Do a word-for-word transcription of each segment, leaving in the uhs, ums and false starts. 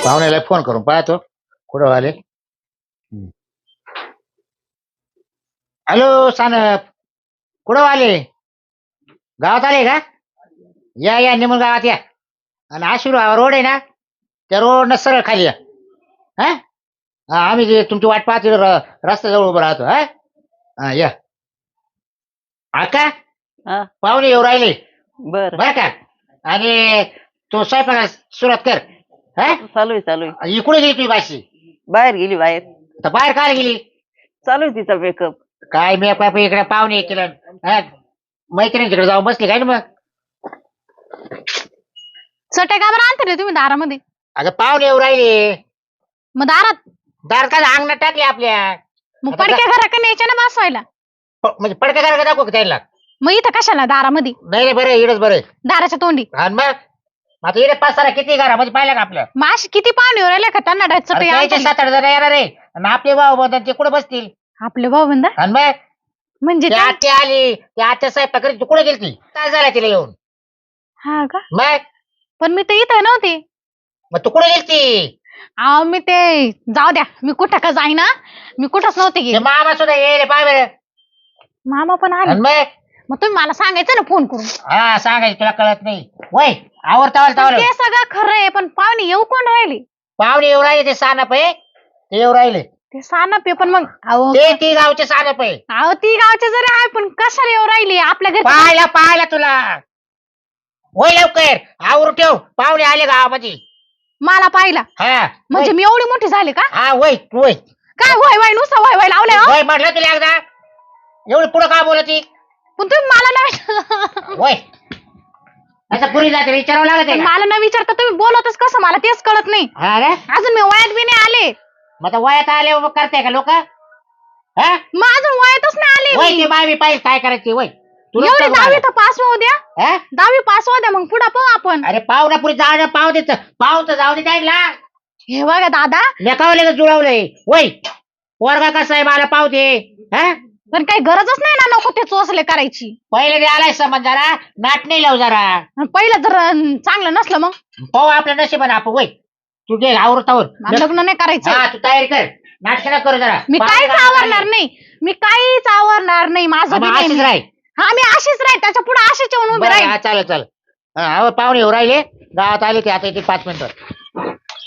पाहुण्याला phone करून पाहतो कुठं आले. हॅलो सानप, कुठं आले? गावात आले का? या या निमून गावात या. आणि आशिर्वाद रोड आहे ना, त्या रोड न सरळ खाली या. हा हा, आम्ही जे तुमची वाट पाहतो रस्त्याजवळ उभं राहतो. हा हा या. आका हा पाहुणे येऊ राहिले बर बर का. आणि तो स्वयंपाक सुरुवात कर. हा चालू आहे चालू आहे इकडे गेली तुझी बाशी बाहेर गेली बाहेर तर बाहेर काय गेली? चालू आहे तिचा मेकअप. काय मी इकडे पाहुणे केलं. हा मैत्रिणी तिकडे जाऊन बसली काय ना मग. चटई का बरं आणते रे तुम्ही दारामध्ये? अगं पाहुणे येऊ राहिले. मग दारात दार का अंगणात टाकले आपल्या. मग आता पडक्या घराकडे न्यायच्या ना बसवायला. प- म्हणजे पडका करा दाखव का त्याला? मग इथं कशाला दारामध्ये? नाही रे, बरं इडच बरं. दाराच्या तोंडी. आणि मग आता इकडे पाच सारा किती घरामध्ये पाहिलं का आपलं? मग अशी किती पाहुणे राहिले का त्यांना डायरेक्ट अरे चटई त्याचे आणते? सात आठ जण येणार रे. आणि आपले भाऊ बंधन ते कुठे बसतील? आपले भाऊ बंद आणि मग म्हणजे ती त्या- आत्या आली, त्या आत्या साहेब करीत तू कुठे गेलती? काय झालं तिला येऊन? हा का? मग पण मी तर इथं नव्हते. मग तू कुठे गेलती? अहो मी ते जाऊ द्या, मी कुठं का जाईना, मी कुठंच नव्हते ते गेले. मामा सुद्धा येईल पाय बरं. मामा पण आले. आणि मग मग तुम्ही मला सांगायचं ना फोन करून. हा सांगायचं तुला कळत नाही वय. आवडतावल पण तावल ते सगळं खरं आहे, पण पाहुणे येऊ कोण राहिले? पाहुणे येऊ राहिले ते सानप आहे, ते येऊ राहिले. ते सानप आहे पण मग अहो ते ती गावचे सानप आहे. अहो ती गावचे जरी आहे पण कशाला येऊ राहिली आपल्या घरी? पाहायला पाहायला तुला. वय लवकर आवर ठेव, पाहुणे आले गावामध्ये. मला पाहिला हा म्हणजे वय. मी एवढी मोठी झाली का? हा वय वय काय वय वय नुसतं वय वय लावलंय हो? वय म्हटलं तुला एकदा. एवढी पुढं का बोलती? पण तुम्ही मला नाही वय असं पुरी जाते विचारावं लागत आहे पण का? मला न विचारता तुम्ही बोलतच कसं मला तेच कळत नाही. हा रे, अजून मी वयात बी नाही आले. मग आता वयात आले मग करते का लोक? हा मग अजून वयातच नाही आले वय मी. ते बाय पाहिजे काय करायची वय. तुला एवढी सांगू दहावी मला. तर पास होऊ द्या. हा? दहावी पास होऊ द्या मग पुढे पाहू आपण. अरे पाहुणा पुरी जाऊ पाव देत पाव तर जाऊ दे त्याला. हे बघा दादा, लेखावले का जुळवलंय वय. पोरगा कसा आहे मला पाव दे. हा पण काही गरजच नाही ना नको ते चोचले करायची. पहिले दे आलाय समज जरा नाट नाही लाव जरा. आणि पहिलं जर अं, चांगलं नसलं मग पाहू आपल्या नशिबाने आपण वय. तू घे आवरतावर मला लग्न नाही करायचं. हा तू तयारी कर. नाटक नको करू जरा. मी पाहुणे काहीच गावात आवरणार आले. नाही. मी काहीच आवरणार नाही. माझं हा, बी मग नाही अशीच मी. राह. हा मी अशीच राहील, त्याच्या पुढे अशीच येऊन उभी बरं, राहील. हा चालेल चालेल. हा अहो, पाहुणे येऊ राहिले गावात आले ते आता येते पाच मिनिटं.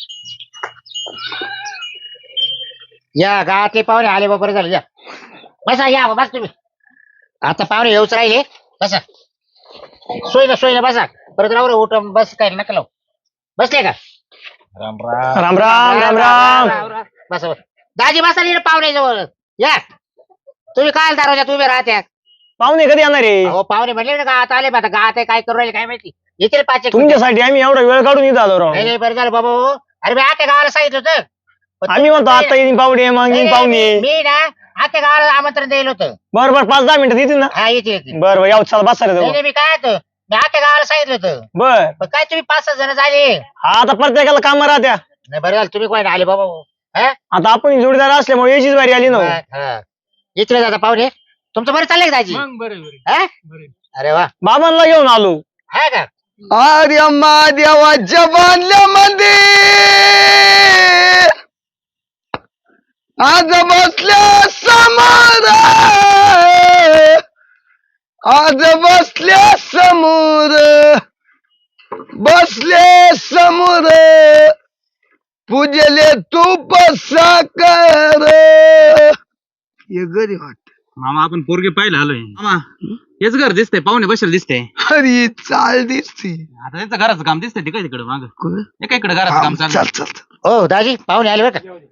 या गावातले पाहुणे आले बरोबर झालं. या बसा या बस तुम्ही. आता पाहुणे येऊच राहिले बसा. सोय ना सोय ना बसा. परत राहू रे उठ बस काय नका लावू. बसले का? राम राम राम राम राम राम. बसा बस. दाजी बसा नीट पाहुणे जवळ या. तुम्ही काय दरवाजात उभे राहत्या? पाहुणे कधी येणार आहे? अहो पाहुणे म्हणले ना गावात आले आता गावात आहे काय करू राहिले काय माहिती. येतील पाच एक मिनिटं. तुमच्यासाठी आम्ही एवढा वेळ काढून इथं आलो राव. नाही नाही बरं झालं बाबा हो. अरे मी आता गावाला सांगितलं होतं. पण आम्ही म्हणतो तुम्ही- आता येईन पाहुणे मग नाही, येईन नाही, पाहुणे. मी ना आता गावाला आमंत्रण द्यायला होतं. बरं बरं पाच दहा मिनिटात येतील ना. हा येते येते. बरं बरं यावं चला बसा रे नाही जाऊ. नाही, मी काय होतं मी आता गावाला सांगितलं होतं. बर पण काय तुम्ही पाच सहा जण झाले. हा आता प्रत्येकाला काम राहत्या. नाही बरं झालं तुम्ही कोण आले बाबा हो. हा? आता आपण जोडीदार असल्यामुळे याचीच बारी आली ना हो. हा. इथले दादा पाहुणे तुमचं बरं चाललंय का दाजी? हा? अरे वा. बाबांना घेऊन आलो. हा का? आर्यम्मा देवाच्या बांधल्या मंदिर आज बसल्या समोर आज बसल्या समोर बसले समोर पूजले तूप साकर हे घरी वाट. मामा आपण पोरगे पाहिलं आलोय. मामा हेच घर दिसतंय, पाहुणे बसेल दिसते. अरे चाल दिसती. आता त्यांचं घराचं काम दिसतंय तिकडे तिकडे माग एका इकडे घराचं काम चल चालू. चल हो दाजी पाहुणे आले बरं का?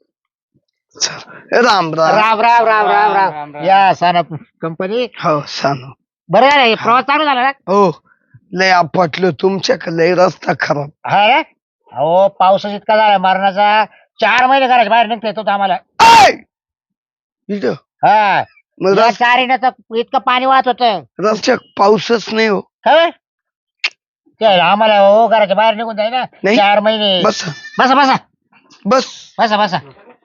चल राम राम. राम राम राम राम राम. या सनप कंपनी. हो सांग. बरं झालं प्रवास चालू झाला ना? हो लय आपटलो तुमच्याकडे लय रस्ता खराब. हा रे? अहो पाऊस इतका झाला मरणाचा. चार महिने घराच्या बाहेर निघता येत होतं आम्हाला. ऐ! इथं हा मग या रस- चारीनं तर इतकं पाणी वाहत होतं. रस्त्यात पाऊसच नाही हो. खबर काय आम्हाला हो घराच्या बाहेर निघून जाय ना नाही. चार महिने. बस बसा बसा बस बसा बसा.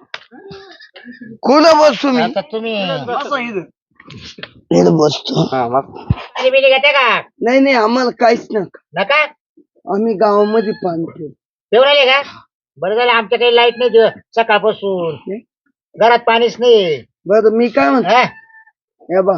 कोण बस तुम्ही आता तुम्ही इथं बसतो. पाणी बिणी घेते का? नाही नाही आम्हाला काहीच नका. नका आम्ही गावामध्ये पाणतो. पिऊन आले का? बरं झालं आमच्या काही लाईट नाही दिवस सकाळपासून नाही? घरात पाणीच नाही बर मी काय म्हणतो हा? हे बा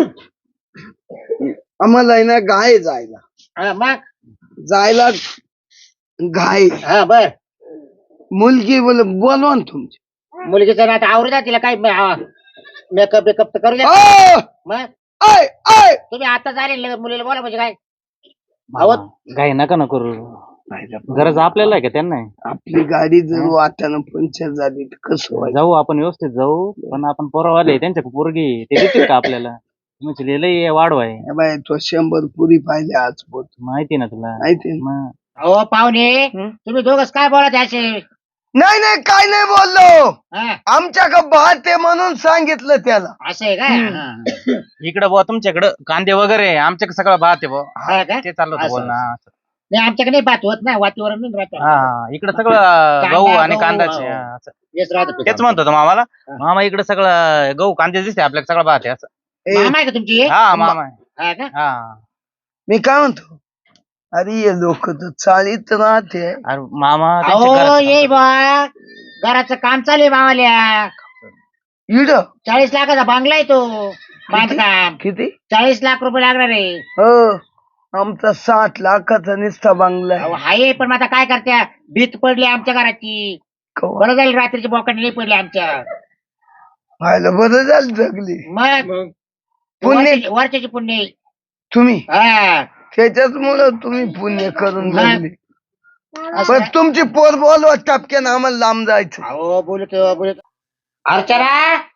आम्हाला आहे ना गाय जायला हा, मग जायला गाय हा बर मुलगी बोल बोलवा ना तुमची मुलगीचं ना आता आवरू द्या तिला काय मेकअप बेकअप तर करू द्या ओ, मग आय आय तुम्ही आता झाले मुलीला बोला म्हणजे काय भावत काही नका ना करू गरज आपल्याला आहे का त्यांना आहे? आपली गाडी जर वाट्यानं पंक्चर झाली तर कसं व्हायचं जाऊ आपण व्यवस्थित जाऊ पण आपण पोरवाले त्यांच्या पोरगी ते देतील का आपल्याला म्हणजे लय वाढव आहे हे बाय तो शंभर पुरी पाहिजे आज पोत माहिती ना तुला माहिती ना? मग अहो पाहुणे तुम्ही दोघच काय बोलत असे नाही नाही काय नाही बोललो हा, आमच्याकडे भात आहे म्हणून सांगितलं त्याला असं आहे का इकडं बुवा तुमच्याकडं कांदे वगैरे आमच्याकडे सगळं भात आहे बुवा हा का? ते चाललं होतं असं, बोलणं नाही आमच्याकडे नाही बात होत ना वातीवर नाही राहत हा इकडं सगळं गहू कांदा, आणि गहू, कांदाचे हा. हा, असं. हेच राहत तेच म्हणतो होतो मामाला मामा इकडे सगळं गहू कांदे दिसते आपल्याला सगळं भात आहे असं ए, मामा आहे का तुमची हा मामा आहे. हा का हा मी काय म्हणतो अरे हे लोक तर चालीत राहते अरे मामा त्यांच्या अहो घरात ये बा घराचं काम चालू आहे मामाल्या इड चाळीस लाखाचा बांगला आहे तो बांधकाम किती चाळीस लाख रुपये लागणार आहे हो आमचा साठ लाखाचा निस्ता बांगला अहो, आहे. आहे पण मग आता काय करत्या भीत पडली आमच्या घराची कवा? बरं झालं रात्रीची बोकांडी नाही पडली आमच्या व्हायला बरं झालं जगली मग पुण्य वरच्याची- वरच्याची पुण्य तुम्ही हा त्याच्याच मुळे तुम्ही पुण्य करून हा. जगली पण तुमची पोर बोलवा टपक्यानं आम्हाला लांब जायचं अहो बोलतो बोलतो अर्चना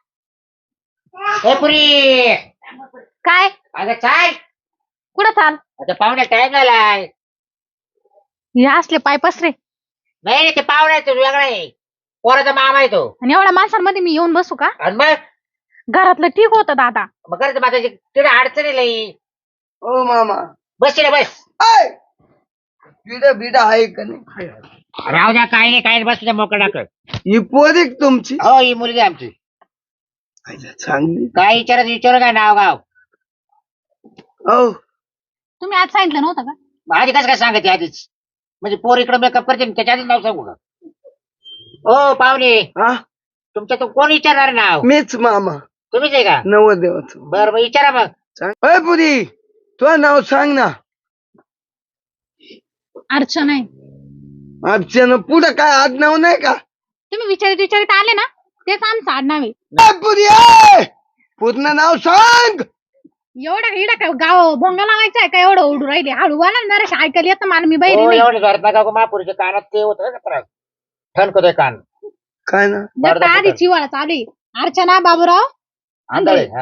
ए पुरी काय अगं चाल कुठं चाल आता पाहुण्या टाइम झालाय हे असले पाय पसरे नाही नाही, ते पाहुणा आहे तो वेगळा आहे पोराचा मामा आहे तो आणि एवढ्या माणसांमध्ये मी येऊन बसू का आणि मग घरातलं ठीक होतं दादा मग करायचं माझ्या तिथे अडचणी लई ओ मामा बस तिला बस आय बिडा बिडा आहे का नाही राहू द्या काही नाही काही नाही बस तुझ्या मोकळा टाकत ही पोर एक तुमची हो ही मुलगी आमची आयला चांगली काय विचारत विचारू काय नाव गाव हो तुम्ही आज सांगितलं नव्हतं का आधी कसं काय सांगते आधीच म्हणजे पोर इकडे मेकअप करते ना, त्याच्या आधीच नाव सांगू का ओ पाहुणे हा तुमच्या तो कोण विचारणार नाव मीच मामा तुम्हीच आहे का नवदेवाचं बरं मग विचारा मग सांग अय पुरी तुझं नाव सांग ना अर्चना आहे अर्चना पुढं काय आडनाव नाही का तुम्ही विचारित विचारित आले ना तेच आमचं आडनाव आहे अय पुरी अय! पूर्ण नाव सांग एवढं इडं काय गाव भोंगा लावायचा आहे का एवढं ओढू राहिले हळू बोला ना जरा ऐकायला येतं मला मी बहिरी हो नाही एवढं घरात नका गो, महापुरीच्या कानात ते होत का त्रास ठणकतोय कान काय ना जर का आधी चिवाळा चालू आहे. अर्चना बाबूराव आंधळे हा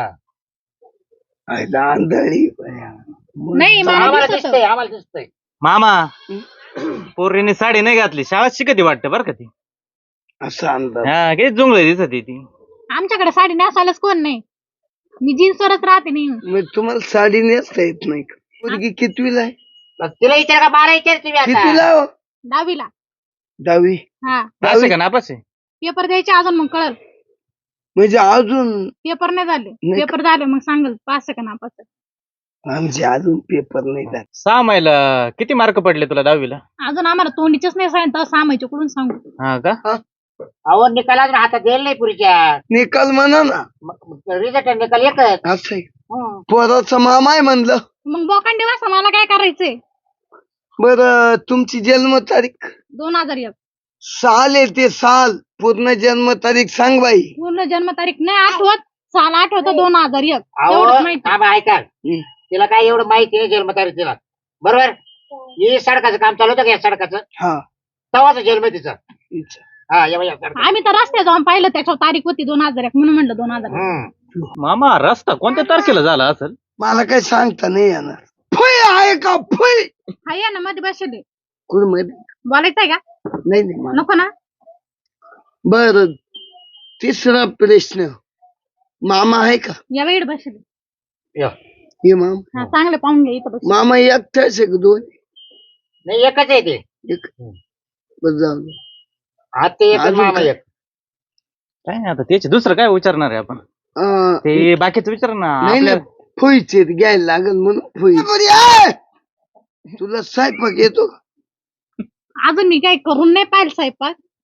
आयला आंधळी बाया. नाही मला आम्हाला दिसत दिसतंय आम्हाला दिसतंय मामा पोरीने साडी नाही घातली शाळा शिकती वाटतं बरं का ती असा अंदाज हा किती जुंगळे दिसत आहे ती आमच्याकडे साडी नेसायलाच कोण नाही मी जीन्सवरच राहते नाही मग तुम्हाला साडी नेसता येत नाही का मुलगी कितवीला आहे मग तिला विचार का मला विचार तुम्ही कितवीला आता हो? दहावीला दहावी हा असं का नापास आहे पेपर द्यायचे अजून मग कळल म्हणजे अजून पेपर नाही झाले नाही. पेपर झाले मग सांगल पास आहे का नापास आहे. आमचे अजून पेपर नाही झाले सहा महिला किती मार्क पडले तुला दहावीला अजून आम्हाला तोंडीचेच नाही सांगितलं सामायचे कुठून सांगू हा का अहो निकाल अजून हातात गेल नाही पुरीच्या निकाल म्हणा ना रिझल्ट निकाल एकच असं आहे. हं. पोराचं मामा आहे म्हणलं मग बोकांडी वासा मला काय करायचंय बर तुमची जन्म तारीख दोन हजार एक साल आहे ते साल पूर्ण जन्म तारीख सांग बाई पूर्ण जन्म तारीख नाही आठवत साल आठवत दोन हजार एक अहो एवढंच माहिती थांबा, ऐका हं. तिला काय एवढं माहिती नाही जन्मतारीख तिला बरोबर हे सडकाचं काम चालू होतं का या सडकाचं हा तवाचा जन्म आहे तिचा हिचं. हा या बाई, या सडकाचं. आम्ही तर रस्त्यात जाऊन पाहिलं त्याच्यावर तारीख होती दोन हजार एक म्हणून म्हणलं दोन हजार हं. मामा रस्ता कोणत्या तारखेला झाला असेल मला काही सांगता नाही येणार फुई आहे का फुई हाय ना मध्ये बसले कुठं मध्ये बोलायचंय का नाही नाही मला- नको ना बर तिसरा प्रश्न मामा आहे का या वेळ बसले या. हे माम हा चांगले पाहून घ्या इथं बस मामा एकटाच आहे का दोन नाही एकच आहे ते एक बस जाऊ दे. हा ते एकच अजून मामा काय? एक काय नाही आता त्याचे दुसरं काय विचारणार आहे आपण अं, ते बाकीच विचार ना नाही ना आपल्या फुईचे घ्यायला लागल म्हणून फुई बरी आहे. तुला स्वयंपाक येतो का अजून मी काय करून नाही पाहिलं स्वयंपाक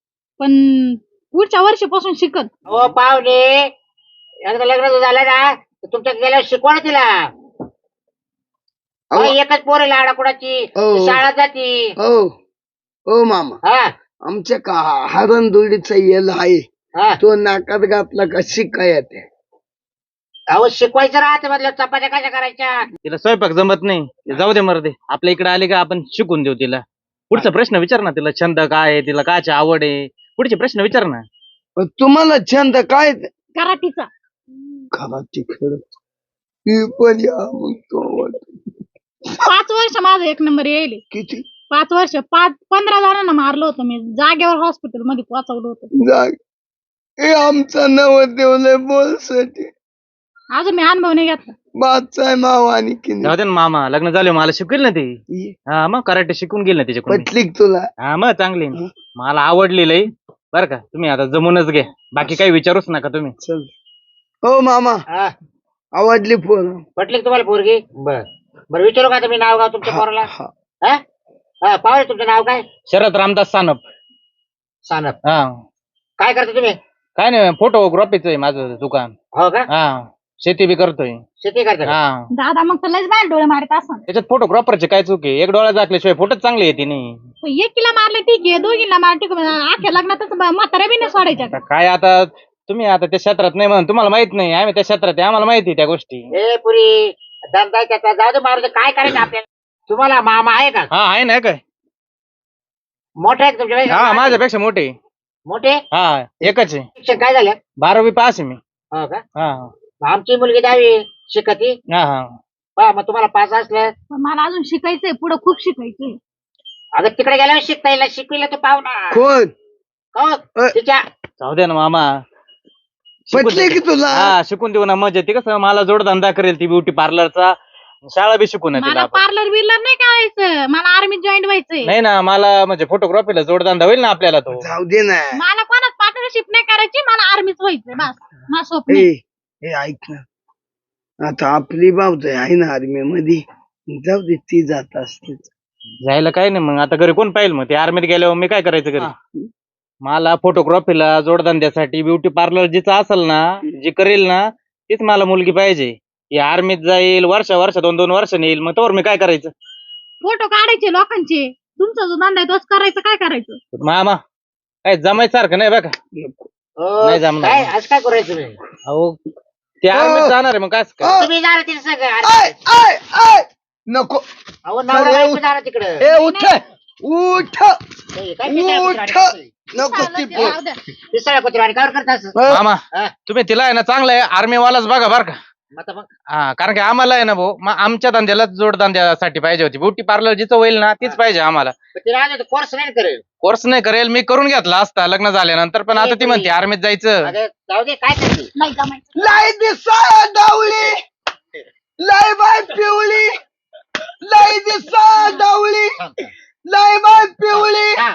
पण पुढच्या वर्षीपासून शिकत. हो पाहुणे, एकदा लग्न जर झालं ना तर तुमच्या गेल्यावर शिकवा ना तिला. अहो. अहो, एकच पोर लाडा कुणाची हो. शाळा जाती. हो हो मामा, हा आमच्या का हरण दुडीचा येल आहे, हा. तो नाकात घातला का शिकाय येते. अहो शिकवायचं राहते म्हटलं, चपात्या कशा करायच्या. तिला स्वयंपाक जमत नाही ते जाऊ दे मरदे. आपल्या इकडे आले का आपण शिकून देऊ तिला. पुढचा प्रश्न विचार ना, तिला छंद काय आहे, तिला कायची आवड आहे, पुढचे प्रश्न विचार ना. पण तुम्हाला छंद काय ते? कराटीचा. कराटे खेळत ही पण या मग तो आवडतो. पाच वर्ष माझं एक नंबर येईल. किती पाच वर्ष पाच पंधरा जणांना मारलं होतं मी, जागेवर हॉस्पिटल मध्ये पोहोचवलं होतं. जाग हे आमचा नवरदेव लय बोलसाठी अजून मी अनुभव नाही घेतला. बादशाह माव आणि किनी जाऊ दे ना मामा, लग्न झाले मला शिकवेल ना ती. हा मग कराटे शिकून गेल ना तिच्याकडून. पटली का तुला? हा मग चांगली आहे. मला आवडली लई बरं का. तुम्ही आता जमूनच घ्या, बाकी काही विचारूच नका तुम्ही. चल हो मामा, हा. आवडली फोन. पटली का तुम्हाला पोरगी? बर बरं विचारू का आता मी नाव गाव तुमच्या पोराला? हा. हा हा, पाहुणे तुमचं नाव काय? शरद रामदास सानप. सानप. हा काय करता तुम्ही? काय नाही, फोटोग्राफीचं आहे माझं दुकान. हो का? हा शेती बी करतोय. शेती करता का? हा दादा मग तर लयच बाहेर डोळे मारत असं. त्याच्यात फोटोग्राफरचे काय चूक आहे? एक डोळा दाखल्याशिवाय फोटोच चांगले येते नाही. एकीला मारले ठीक आहे, दोघीला मार ठीक आहे, आख्या लग्नातच म्हाताऱ्या बी नाही सोडायच्या. आता काय आता तुम्ही आता त्या क्षेत्रात नाही म्हणून तुम्हाला माहित नाही, आम्ही त्या क्षेत्रात आहे, आम्हाला माहिती त्या गोष्टी. ए पुरी धंदा त्याचा जाऊ दे, मारू दे. काय करायचं आपल्याला? तुम्हाला मामा आहे का? हा आहे ना काय. मोठे आहेत तुमच्या हा पेक्षा? माझ्यापेक्षा मोठे. मोठे? हा एकच आहे. शिक्षण काय झालं? बारावी पास आहे मी. हो का? हा आमची मुलगी दहावी शिकती. हा हा पहा मग तुम्हाला पास असलं पण मला अजून शिकायचंय, पुढे खूप शिकायचंय. आता तिकडे गेल्यावर शिकता येईल, शिकविलं तर पाहू ना. कोण हो अ. तिच्या जाऊ दे ना मामा. शिकून पटली दे. की तुला? हा शिकून देऊ ना, मजा ती कसं मला जोडधंदा करेल ती ब्युटी पार्लरचा. शाळा बी शिकून तिला मला आपण. पार्लर बिर्लर नाही करायचं, मला आर्मीत जॉईन व्हायचंय. नाही ना, मला म्हणजे फोटोग्राफीला जोडधंदा होईल ना आपल्याला तो. जाऊ दे ना. मला कोणाच पार्टनरशिप नाही करायची, मला आर्मीत व्हायचंय बस. माझं स्वप्न ए आहे. हे ऐक ना, आता आपली बाबत आहे ना आर्मी मध्ये, जाऊ दे ती जात असते. जायला काय नाही मग, आता घरी कोण पाहिजे मग? ते आर्मीत गेल्यावर मी काय करायचं घरी? मला फोटोग्राफीला जोडधंद्यासाठी ब्युटी पार्लर जिचं असेल ना, जी करेल ना तीच मला मुलगी पाहिजे. ती आर्मीत जाईल, वर्ष वर्ष दोन दोन वर्ष येईल, मग तोवर मी काय करायचं? फोटो काढायचे लोकांचे. तुमचा जो धंदा आहे तोच करायचं. काय करायचं? मामा काय जमायसारखं नाही बघा. हो, नाही जमणार. काय आज काय करायचं तुम्ही? अहो ते आर्मीत जाणार आहे मग काय काय? तुम्ही जाणार तिथे सगळं. आय आय आय नको. अहो नवरा अरे, बायको जाणार तिकडं. ए उठ उठ हे काय पिसाळ्या उठ कुत्र्यावाणी? नको ती पोर. जाऊ द्या. पिसाळ्या कुत्र्यावाणी कावर करता असं? अ, मामा हा. तुम्ही तिला आहे ना चांगलं आहे आर्मीवालाच बघा बरं का. आता मग हा कारण की आम्हाला आहे ना भाऊ, मग आमच्या धंद्याला जोडधंद्यासाठी पाहिजे होती ब्युटी पार्लर जिचं होईल ना तीच पाहिजे आम्हाला. तिला कोर्स नाही करेल. कोर्स नाही करेल, मी करून घेतला असता लग्न झाल्यानंतर, पण आता ती म्हणते आर्मीत जायचं. अगं, जाऊ दे काय करते. नाही जमायचं. लय दिसा डावली, लय बाय पिवळी, लय दिसा डावली, लय बाय पिवळी, हा.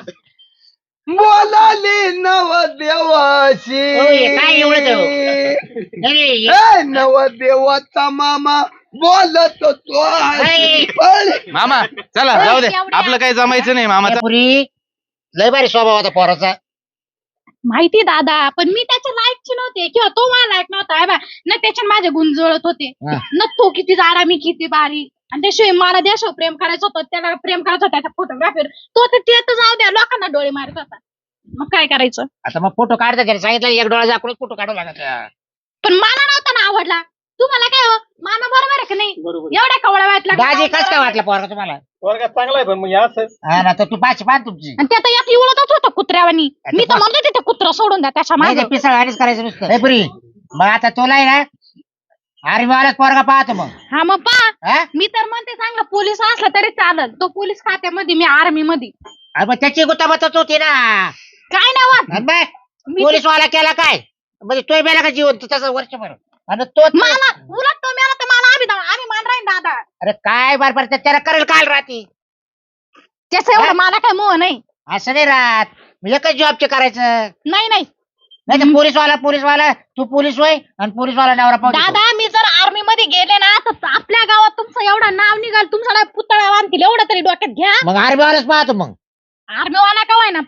बोलाली नवदेवाशी. हो, हे काय एवढं ते? नाही, नाही, ए नवदेवाचा मामा बोलत तो नाही. मामा चला जाऊ दे, आपलं काही जमायचं नाही मामाचं. पुरी लय भारी स्वभाव होता पोराचा. माहिती दादा, पण मी त्याच्या लायकची नव्हते किंवा तो मला लायक नव्हता. बा न त्याच्यात माझे गुण जुळत होते, हा. न तो किती जाडा मी किती बारीक. आणि त्याशिवाय मला देशावर प्रेम करायचं होतं, त्याला प्रेम करायचं होतं त्याच्या फोटोग्राफीवर. तो तर ते तर जाऊ द्या, लोकांना डोळे मारत होता. मग काय करायचं? आता मग फोटो काढता त्याने सांगितलं एक डोळा दाखवून फोटो काढू लागायचा. पण मला नव्हता ना आवडला. तुम्हाला काय हो, मामा बरोबर आहे का नाही? एवढ्या कवळा वाटला दाजी कस काय वाटलं पोरगा तुम्हाला? चांगला आहे पण मग असं हा ना, तर तू पाच पान तुमची. आणि त्यात एक इवळतच होतं कुत्र्यावानी. मी तर म्हणतो तिथे कुत्रा सोडून द्या त्याच्या नाही मागे. पिसळ आणीच करायचं नुसतं. ए पुरी मग आता तुला आहे ना आर्मीवालाच पोरगा पाहतो मग. हा मग पा हा? मी तर म्हणते चांगला पोलीस असला तरी चालत. तो पोलीस खात्यामध्ये, मी आर्मी मध्ये. अरे मग त्याची गुताबतच होती ना. काय नाही वाट आणि मग मी पोलीस वाला केला काय म्हणजे तो मेला का जीवन तसं वर्षभर. आणि तो मला उलट तो मेला तर मला आम्ही आम्ही मान राहीन दादा. अरे काय बरोबर त्याला करेल काल राहती. त्याचं एवढं मला काय मोह नाही. असं नाही राहत, मग एकच जॉबचे करायचं. नाही नाही नाही तर पोलीसवाला पोलीसवाला तू पोलीस होय आणि पोलीसवाला नवरा पाहतो. दादा, मी जर आर्मी मध्ये गेले ना तर आपल्या गावात तुमचं एवढं नाव निघाल, तुमचा पुतळा बांधतील एवढं तरी डोक्यात घ्या. मग आर्मीवालाच पाहतो मग. आर्मीवाला का होय ना पाप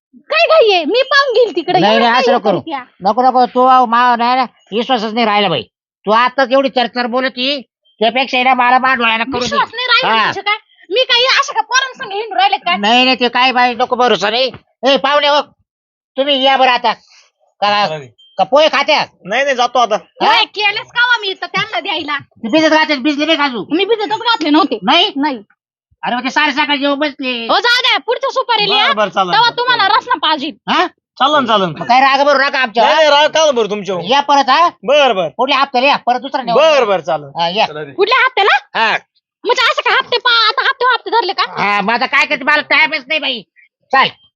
काय घाई आहे मी पाहून घेईल तिकडे नाही, एवढं नाही, काय असं हे नको करू. करत्या? नको नको तू मा नाही ना विश्वासच नाही राहिला बाई. तू आताच एवढी चरचर बोलती त्यापेक्षा आहे ना मला मांडवायला करू दे. विश्वास नाही राहिला हा. म्हणजे काय मी काही अशा का पोरांसंग हिंडून राहिले काय नाही नाही ते काय बाई नको भरोसा नाही. ए पाहुणे हो तुम्ही या बरं आता का का पोहे खात्या नाही नाही जातो आता. काय केलंच का मी इथं त्यांना द्यायला भिजत घातले भिजले नाही खाजू मी भिजतच घातले नव्हते नाही नाही अरे मग ते सारे सकाळी जेवण बसले. हो जाऊ द्या पुढच्या सुपारी लिहा बरं बरं चालन. तेव्हा तुम्हाला रसना पाहिजे हा चालन चालन. मग काय राग बरोबर नका नाही आमच्या नाही राव का बरं तुमच्या या परत हा बर बर पुढल्या हप्त्याला या परत दुसरा नेऊ. बर बर चालन. हा, या कुठल्या हप्त्याला हा म्हणजे असं का हप्ते पा आता हप्ते हप्ते धरले का हा, मग आता काय करते मला टाइमच नाही बाई. चाल